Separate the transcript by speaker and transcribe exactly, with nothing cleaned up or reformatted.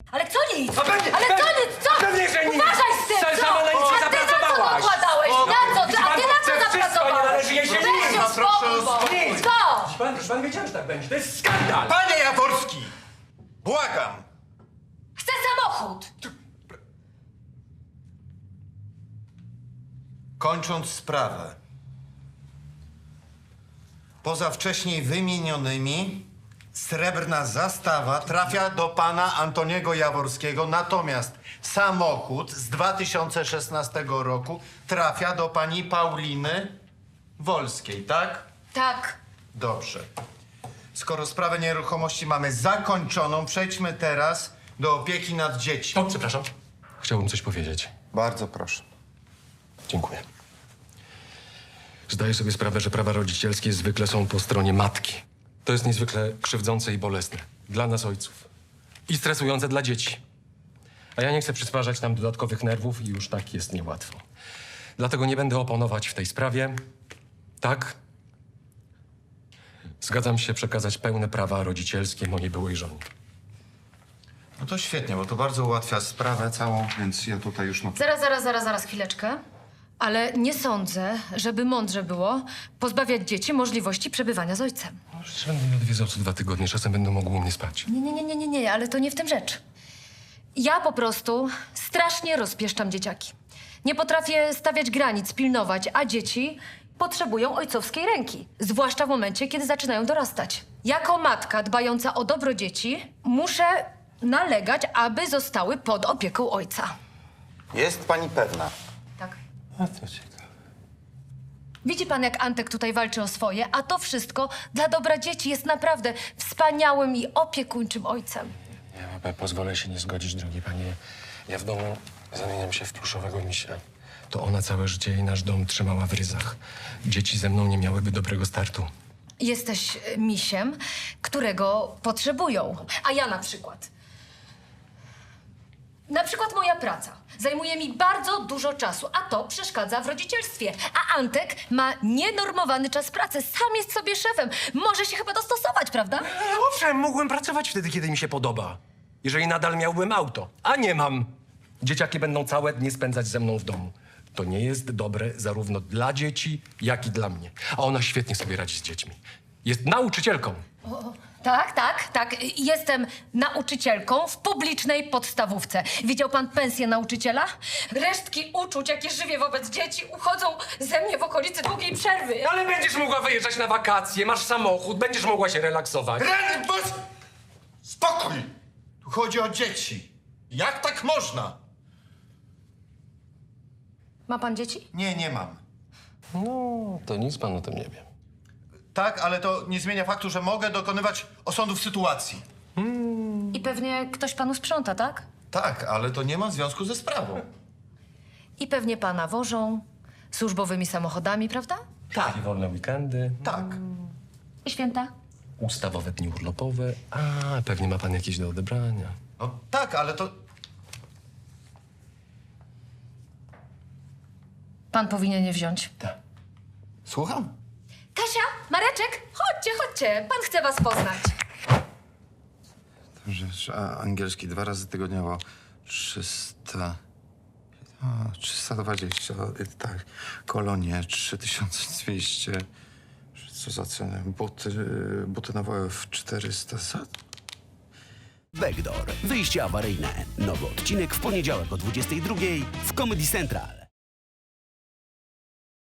Speaker 1: Ale co nic?
Speaker 2: A pewnie-
Speaker 1: Ale co
Speaker 2: pewnie-
Speaker 1: nic? Co?
Speaker 2: pewnie, że nic.
Speaker 1: Uważaj z tym,
Speaker 2: Sam-
Speaker 1: co?
Speaker 2: sama na nic nie
Speaker 1: A ty na co
Speaker 2: zapracowałaś.
Speaker 1: dokładałeś?
Speaker 2: O,
Speaker 1: Na co?
Speaker 2: widzi
Speaker 1: A
Speaker 2: pan,
Speaker 1: ty na co
Speaker 2: to wszystko
Speaker 1: zapracowałeś?
Speaker 2: nie należy jej się
Speaker 1: Weź
Speaker 2: nic.
Speaker 1: się
Speaker 2: No,
Speaker 1: spokój,
Speaker 2: proszę o
Speaker 1: bo-
Speaker 2: spokój.
Speaker 1: Co?
Speaker 2: Proszę pan, proszę pan wiedziałem, że tak będzie. To jest skandal.
Speaker 3: Panie Jaworski! Błagam!
Speaker 1: Chcę samochód!
Speaker 3: Kończąc sprawę. Poza wcześniej wymienionymi, srebrna zastawa trafia do pana Antoniego Jaworskiego, natomiast samochód z dwa tysiące szesnastego roku trafia do pani Pauliny Wolskiej, tak?
Speaker 1: Tak.
Speaker 3: Dobrze. Skoro sprawę nieruchomości mamy zakończoną, przejdźmy teraz do opieki nad dziećmi.
Speaker 2: O, przepraszam. Chciałbym coś powiedzieć.
Speaker 3: Bardzo proszę.
Speaker 2: Dziękuję. Zdaję sobie sprawę, że prawa rodzicielskie zwykle są po stronie matki. To jest niezwykle krzywdzące i bolesne. Dla nas ojców. I stresujące dla dzieci. A ja nie chcę przysparzać nam dodatkowych nerwów i już tak jest niełatwo. Dlatego nie będę oponować w tej sprawie. Tak? Zgadzam się przekazać pełne prawa rodzicielskie mojej byłej żonie.
Speaker 3: No to świetnie, bo to bardzo ułatwia sprawę całą, więc ja tutaj już mam...
Speaker 1: Zaraz, zaraz, zaraz, zaraz, chwileczkę. Ale nie sądzę, żeby mądrze było pozbawiać dzieci możliwości przebywania z ojcem.
Speaker 2: Przecież będę mnie odwiedzał co dwa tygodnie, czasem będą mogły u mnie spać.
Speaker 1: Nie, nie, nie, nie, nie, nie, ale to nie w tym rzecz. Ja po prostu strasznie rozpieszczam dzieciaki. Nie potrafię stawiać granic, pilnować, a dzieci potrzebują ojcowskiej ręki. Zwłaszcza w momencie, kiedy zaczynają dorastać. Jako matka dbająca o dobro dzieci muszę nalegać, aby zostały pod opieką ojca.
Speaker 3: Jest pani pewna?
Speaker 1: Tak.
Speaker 2: A to ciekawe.
Speaker 1: Widzi pan, jak Antek tutaj walczy o swoje, a to wszystko dla dobra dzieci jest naprawdę wspaniałym i opiekuńczym ojcem.
Speaker 2: Ja pozwolę się nie zgodzić, drogi panie. Ja w domu zamieniam się w pluszowego misia. To ona całe życie i nasz dom trzymała w ryzach. Dzieci ze mną nie miałyby dobrego startu.
Speaker 1: Jesteś e, misiem, którego potrzebują. A ja na przykład. Na przykład moja praca zajmuje mi bardzo dużo czasu, a to przeszkadza w rodzicielstwie. A Antek ma nienormowany czas pracy. Sam jest sobie szefem. Może się chyba dostosować, prawda?
Speaker 2: Ale owszem, mógłbym pracować wtedy, kiedy mi się podoba. Jeżeli nadal miałbym auto, a nie mam. Dzieciaki będą całe dnie spędzać ze mną w domu. To nie jest dobre zarówno dla dzieci, jak i dla mnie. A ona świetnie sobie radzi z dziećmi. Jest nauczycielką.
Speaker 1: O, tak, tak, tak. Jestem nauczycielką w publicznej podstawówce. Widział pan pensję nauczyciela? Resztki uczuć, jakie żywię wobec dzieci, uchodzą ze mnie w okolicy długiej przerwy.
Speaker 2: Ale będziesz mogła wyjeżdżać na wakacje, masz samochód, będziesz mogła się relaksować.
Speaker 3: Rany, bos... Spokój! Tu chodzi o dzieci. Jak tak można?
Speaker 1: Ma pan dzieci?
Speaker 3: Nie, nie mam.
Speaker 2: No, to nic pan o tym nie wie.
Speaker 3: Tak, ale to nie zmienia faktu, że mogę dokonywać osądów sytuacji.
Speaker 1: I pewnie ktoś panu sprząta, tak?
Speaker 3: Tak, ale to nie ma związku ze sprawą.
Speaker 1: I pewnie pana wożą służbowymi samochodami, prawda?
Speaker 2: Tak. I wolne weekendy,
Speaker 3: Tak.
Speaker 1: I święta?
Speaker 2: ustawowe dni urlopowe. A, pewnie ma pan jakieś do odebrania.
Speaker 3: No tak, ale to...
Speaker 1: Pan powinien je wziąć.
Speaker 2: Tak.
Speaker 3: Słucham?
Speaker 1: Kasia, Mareczek, chodźcie, chodźcie. Pan chce was poznać.
Speaker 3: Że a, angielski dwa razy tygodniowo. trzysta... A, trzysta dwadzieścia, tak. Kolonie trzy tysiące dwieście. Co za cenę? Buty, buty na W F czterysta. Za...
Speaker 4: Backdoor. Wyjście awaryjne. Nowy odcinek w poniedziałek o dwudziestej drugiej w Comedy Central.